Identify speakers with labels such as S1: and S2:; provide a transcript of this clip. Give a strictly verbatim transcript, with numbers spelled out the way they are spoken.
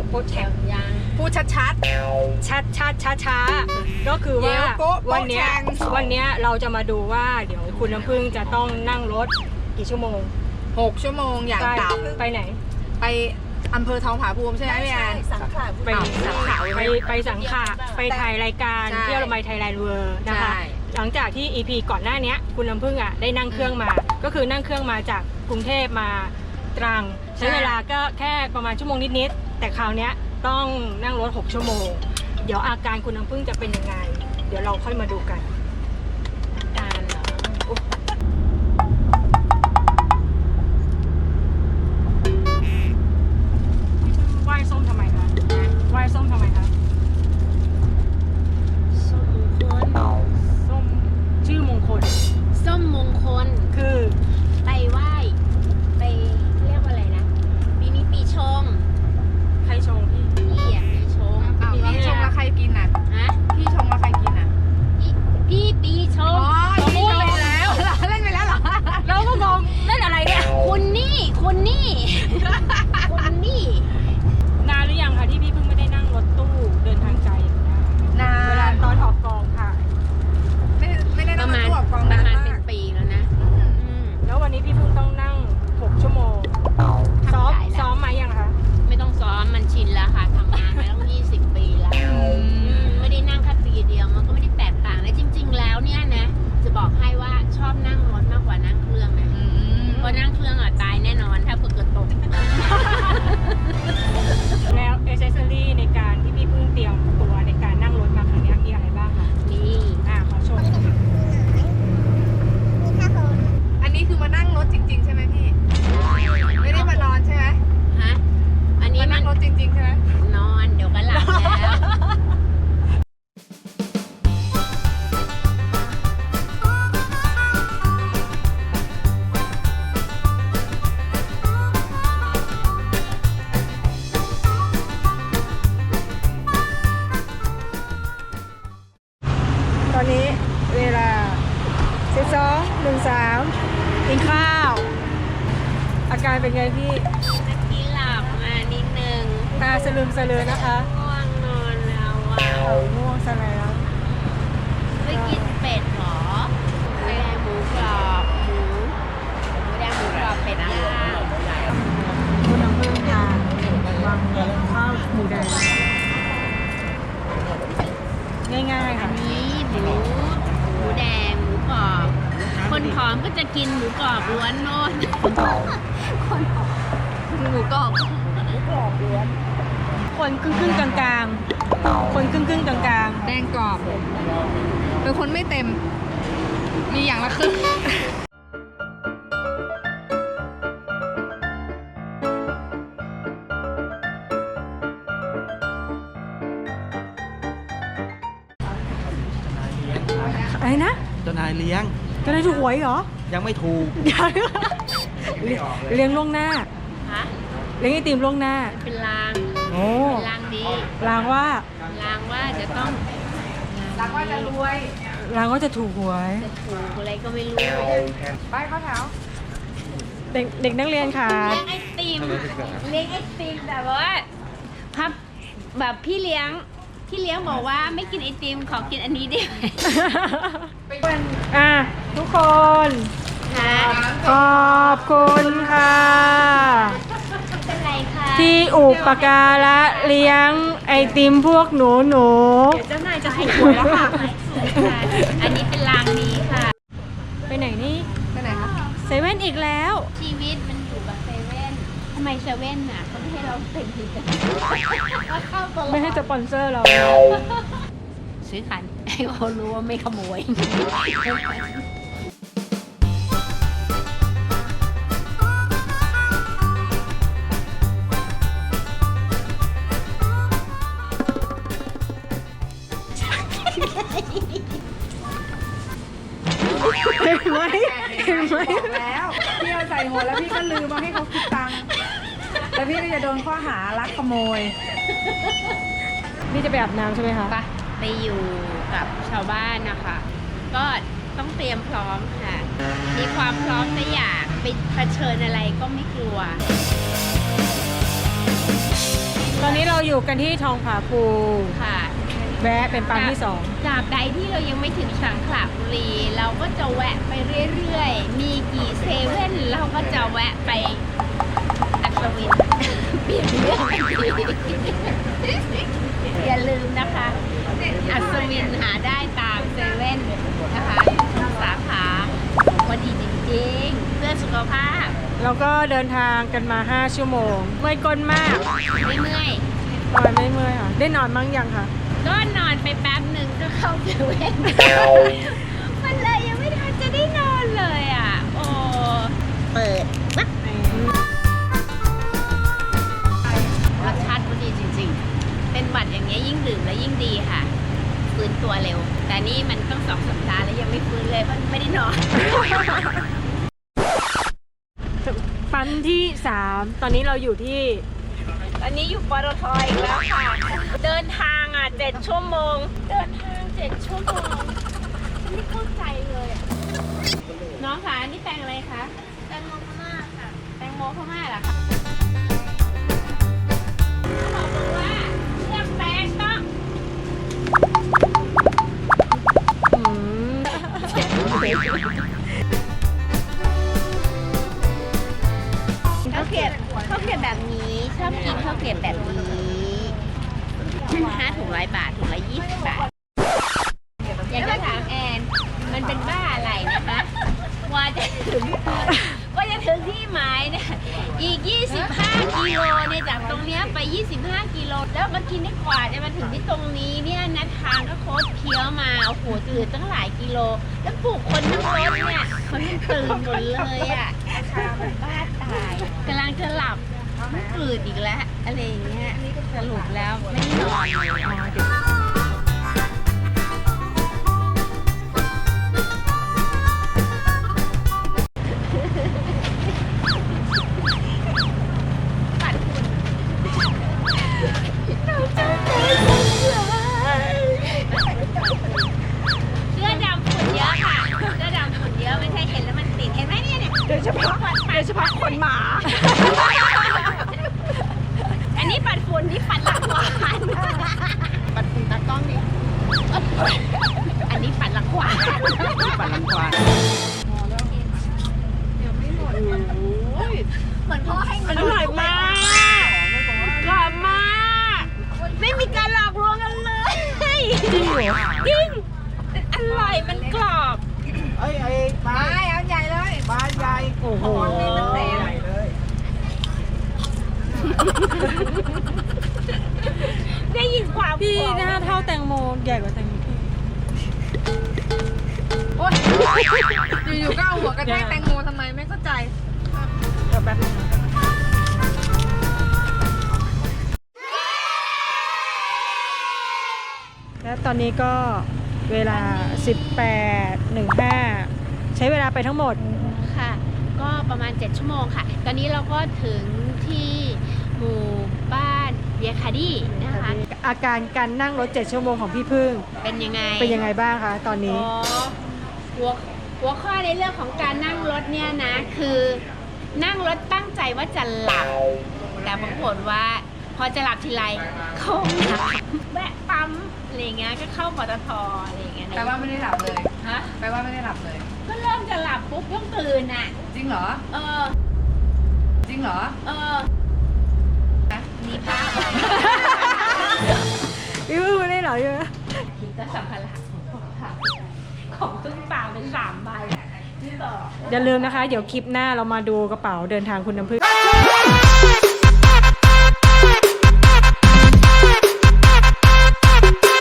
S1: พูดแท็กยัง
S2: พูดชัดชัด
S1: ชัดชัดช้าช้าก็คือว่าวันนี้วันนี้เราจะมาดูว่าเดี๋ยวคุณน้ำพึ่งจะต้องนั่งรถกี่ชั่วโมง
S2: หกชั่วโมงอย่างต่ำ
S1: ไปไหน
S2: ไปอำเภอทองผาภูมิใช่ไหมพี่แอน
S3: สังขะ
S1: ไปสังขะไปไปสังขะไปถ่ายรายการเที่ยวละไมไทยแลนด์เวิร์นะคะหลังจากที่ อี พี ก่อนหน้านี้คุณน้ำพึ่งอ่ะได้นั่งเครื่องมาก็คือนั่งเครื่องมาจากกรุงเทพมาตรังใช้เวลาก็แค่ประมาณชั่วโมงนิดๆแต่คราวนี้ต้องนั่งรถหกชั่วโมงเดี๋ยวอาการคุณน้ำพึ่งจะเป็นยังไงเดี๋ยวเราค่อยมาดูกัน
S3: การเหรอ
S1: ไหว้ส้มทำไมคะไหว้ส้มทำไมคะ
S3: ส้มมงคล
S1: ส้มชื่อมงคล
S3: ส้มมงคล
S1: คือ
S3: ไปไหว้ไปเรียกว่าอะไรนะปีนี้ปีชง
S1: ใครชงพี่
S3: พี่อ่ะปีชง
S2: พี่ชงแล้วใครกินอ่ะ
S3: ฮะ
S2: พี่ชงแล้วใครกินอ่ะ
S3: พี่พี่ปีชง
S2: อ๋อพี่ชงไปแล้วเล่นไปแล้วเหรอ
S1: เราก็งงเล่นอะไรเนี่ย
S3: คุณนี่คุณนี่คุณนี่
S1: นานหรือยังคะที่พี่เพิ่งไม่ได้นั่งรถตู้เดินทางไกล
S2: นาน
S1: เวลาตอนออกกองค่ะ
S2: ไม่ไม่ได้นั่งรถตู้ออกกอง
S3: ประ
S2: นาน
S3: มาณ
S2: มา
S3: เป็น
S2: ก
S3: ปีแล้วนะ
S1: แล้ววันนี้พี่เพิ่งต้องนั่งหกชั่วโมงซ้อมซ้อมไหมยังคะ
S3: ไม่ต้องซ้อมมันชินแล้วค่ะทำงานมาตั้งยี่สิบปีแล้วไม่ได้นั่งแค่ปีเดียวมันก็ไม่ได้แตกต่างและจริงๆแล้วเนี่ยนะจะบอกให้ว่าชอบนั่งรถมากกว่านั่งเครื่องนะเพราะนั่งเครื่องอ่ะตายแน่นอนถ้าเกิดตก
S1: แล้วเอเซสซอรี่ในการที่พี่เพิ่งเตรียมตัวในการนั่งรถมาครั้งนี้มีอะไรบ้างคะ
S3: นี่
S1: อ่าขอชม
S2: อันนี้คือมานั่งรถจริงๆใช่ไหมพี่ไม่ได้มานอนใช่ไหม
S3: ฮะอันนี้
S2: มานั่งรถจริงๆใช่ไหม
S3: นอนเดี๋ยวก็หลับแล้ว
S1: ตอนนี้เวลาสิบสองหนึ่งสามกินข้าวอาการเป็นไงพี่
S3: เมื่อกี้หลับมานิดนึง
S1: ตาสลืมสลือนะคะ
S3: ง่วงนอนแล้วอ่ะ
S1: ง่วงซะแล้ว
S3: ไม่กินเป็ดหรอหมูแดงหมูกรอบหมูหมูแดงหมูกรอบเป็ดย่าง
S1: คุณน้ำพึ่งทานวางข้าวหมูแดงง่ายๆค่ะ
S3: นี้หมูหมูแดงหมูกรอบคนผอมก็จะกินหมูกรอบล้วนโน่นคนผอมหมูกรอบหมูกรอบล้วน
S1: คนครึ่งครึ่งกลางกลางคนครึ่งครึ่งกลางกลาง
S2: แดงกรอบเป็นคนไม่เต็มมีอย่างละครึ่ง
S1: อะไรนะ
S4: เจ้านายเลี้ยง
S1: เจ้านายถูกหวยเหรอ
S4: ยังไม่ถูก
S1: เลี้ยงล่วงหน้า
S3: ฮะ
S1: เลี้ยงไอติมล่วงหน้า
S3: เป็นลาง
S1: โอ้
S3: ลางดี
S1: ลางว่า
S3: ลางว่าจะต้อง
S2: ลางว่าจะรวย
S1: ลางว่าจะถูกหวย
S3: จะถูกอะไรก็ไม่รู้
S2: ไปเข้าแถว
S1: เด็กเด็กนักเรียนค่ะ
S3: เลี้ยงไอติมเลี้ยงไอติมแต่ว่าพับแบบพี่เลี้ยงพี่เลี้ยงบอกว่าไม่กินไอติมขอกินอันนี้ได้ไหม
S1: อ่ะทุกคนขอบคุณค่ะ
S3: เป็นไรคะ
S1: ที่อุปการะเลี้ยงไอติมพวกหนูหนู
S3: เดี๋ยวเจ้านายจะถูกหวยแล้วค่ะอันนี้เป็นรางนี้ค่ะ
S1: ไปไหนนี่
S2: ไปไหนคะ
S1: เซเว่นอีกแล้ว
S3: ชีวิตมันอยู่แบบเซเว่นทำไมเซเว่นน่ะเขาไม่ให้เราเป็นทีกัน
S1: ไม่ให้สปอนเซอร์เรา
S3: ซื้อขันให้เขารู้ว่าไม่ขโมย
S1: เห็นไหมเห็นไหม
S2: แล้วพี่เอาใส่หัวแล้วพี่ก็ลืมมาให้เขาคิดตังค์แล้วพี่ก็จะโดนข้อหาลักขโมย
S1: นี่จะไปอาบน้ำใช่ไหมคะ
S3: ไปอยู่กับชาวบ้านนะคะก็ต้องเตรียมพร้อมค่ะมีความพร้อมแต่อยากไปเผชิญอะไรก็ไม่กลัว
S1: ตอนนี้เราเราอยู่กันที่ทองผาภู
S3: ค่ะ
S1: แวะเป็นปั๊มที่สอง
S3: ตราบใดที่เรายังไม่ถึงสังขละบุรี เราก็จะแวะไปเรื่อยๆ มีกี่เซเว่นเราก็จะแวะไปอัศวิน เปลี่ยนเรื่องทันทีอย่าลืมนะคะ อัศวินหาได้ตามเซเว่นนะคะทุกสาขาพอดีจริงๆ เพื่อสุขภาพ
S1: แล้วก็เดินทางกันมา ห้า ชั่วโมงเมื่อยก้นมาก
S3: ไม่เมื่อย
S1: นอนไม่เมื่อยค่ะ ได้นอนมั้งยังคะ
S3: ก็นอนไปแป๊บหนึ่งก็เข้าเซเว่น มันเลยยังไม่ทันจะได้นอนเลยอ่ะ โอ้ เปิดปั๊บรสชาติก็ดีจริงๆ เป็นหวัดอย่างเงี้ยยิ่งดื่มแล้วยิ่งดีค่ะ ฟื้นตัวเร็ว แต่นี่มันต้องสองสัปดาห์แล้วยังไม่ฟื้นเลยเพราะไม่ได้นอน
S1: ปั๊มที่ สาม ตอนนี้เราอยู่ที่
S3: อันนี้อยู่ปตทอีกแล้วค่ะ เดินทางอ่ะเจ็ดชั่วโมง เดินทางเจ็ดชั่วโมงฉันไม่เข้าใจเลยอะน้องคะนี่แตงอะไรคะ แตงโมพม่าค่ะ แตงโมพม่าเหรอคะเขาบอกว่าเลือกแตงต้อง
S1: อืม
S3: ข้าวเกรียบข้าวเกรียบแบบนี้ชอบกินข้าวเกรียบแบบนี้ห้าถุงร้อยบาทถุงละยี่สิบบาท อยากจะถามแอน มันเป็นบ้าอะไรนะคะกว่าจะถึงกว่าจะถึงที่หมายเนี่ยอีกยี่สิบห้ากิโลเนี่ยจากตรงเนี้ยไปยี่สิบห้ากิโลแล้วมากินได้กว่าจะมาถึงที่ตรงนี้เนี่ยนะทางก็โคตรเคี้ยวมาโอ้โหตื่นตั้งหลายกิโล แล้วปลูกคนทั้งรถเนี่ยคนมันตื่นหมดเลยอ่ะชามันบ้าตายกำลังจะหลับมันตื่นอีกแล้วอะไรอย่างเงี้ยสรุปแล้วไม่ได้นอนเลยปัดฝุ่นเราจะตายเสื้อดำฝุ่นเยอะค่ะเสื้อดำฝุ่นเยอะไม่ใช่เห็นแล้วมันติดเห็นไหมเนี่ยเนี่ยโดยเฉพาะโดยเฉพาะคนหมา อันนี้ปัดฝุ่นที่ปัดหลังควานปัดฝุ่นตากล้องดิอันนี้ปัดหลังควาน
S4: ปั่นลังควาน
S3: เหมือนพ่อให้เงินอร่อยมากกรอบมากไม่มีการหลอกลวงกันเลยจริงเหรอจริงอร่อยมันกรอบ
S4: เอ้ยไอ้ปลา
S2: ไปเอาใหญ่เลย
S4: ปลาใหญ่
S1: โอ้โห
S4: นี่มันใหญ่เลย
S3: ได้ยินความ
S1: พี่
S3: กรอบ
S1: หน้าเท่าแตงโมใหญ่กว่าแตงโมพี่
S2: โอ๊ยอยู่ๆก็เอาหัวกระแทกแตงโมทำไมไม่เข้าใจ
S1: เดี๋ยวแป๊บนึงนะและตอนนี้ก็เวลา สิบแปดหนึ่งห้า ใช้เวลาไปทั้งหมด
S3: ค่ะ ก็ประมาณเจ็ดชั่วโมงค่ะ ตอนนี้เราก็ถึงที่หมู่บ้านเบียร์คาดี้นะคะ
S1: อาการการนั่งรถเจ็ดชั่วโมงของพี่พึ่ง
S3: เป็นยังไง
S1: เป็นยังไงบ้างคะตอนนี้
S3: อ๋อหัวหัวข้อในเรื่องของการนั่งรถเนี่ยนะ คือนั่งรถตั้งใจว่าจะหลับ แต่ปรากฏว่าพอจะหลับทีไรเข้าห้องน้ำแวะปั๊มอะไรเงี้ยก็เข้าปตทอะไรเงี้ย
S2: แปลว่าไม่ได้หลับเลย
S3: ฮะ
S2: แปลว่าไม่ได้หลับเลย
S3: ก็เริ่มจะหลับปุ๊บต้องตื่นอ่ะ
S2: จริงเหรอ
S3: เออ
S2: จริงเหรอ
S3: เออมีภาพ
S1: พี่พึ่งไม่ได้เหรอเยอะ
S3: คิดก็สัมภาระของพ่อค่ะของตึ้งตาเป็นสามใบที่ต่อ
S1: อย่าลืมนะคะ เดี๋ยวคลิปหน้าเรามาดูกระเป๋าเดินทางคุณน้ำพึ่ง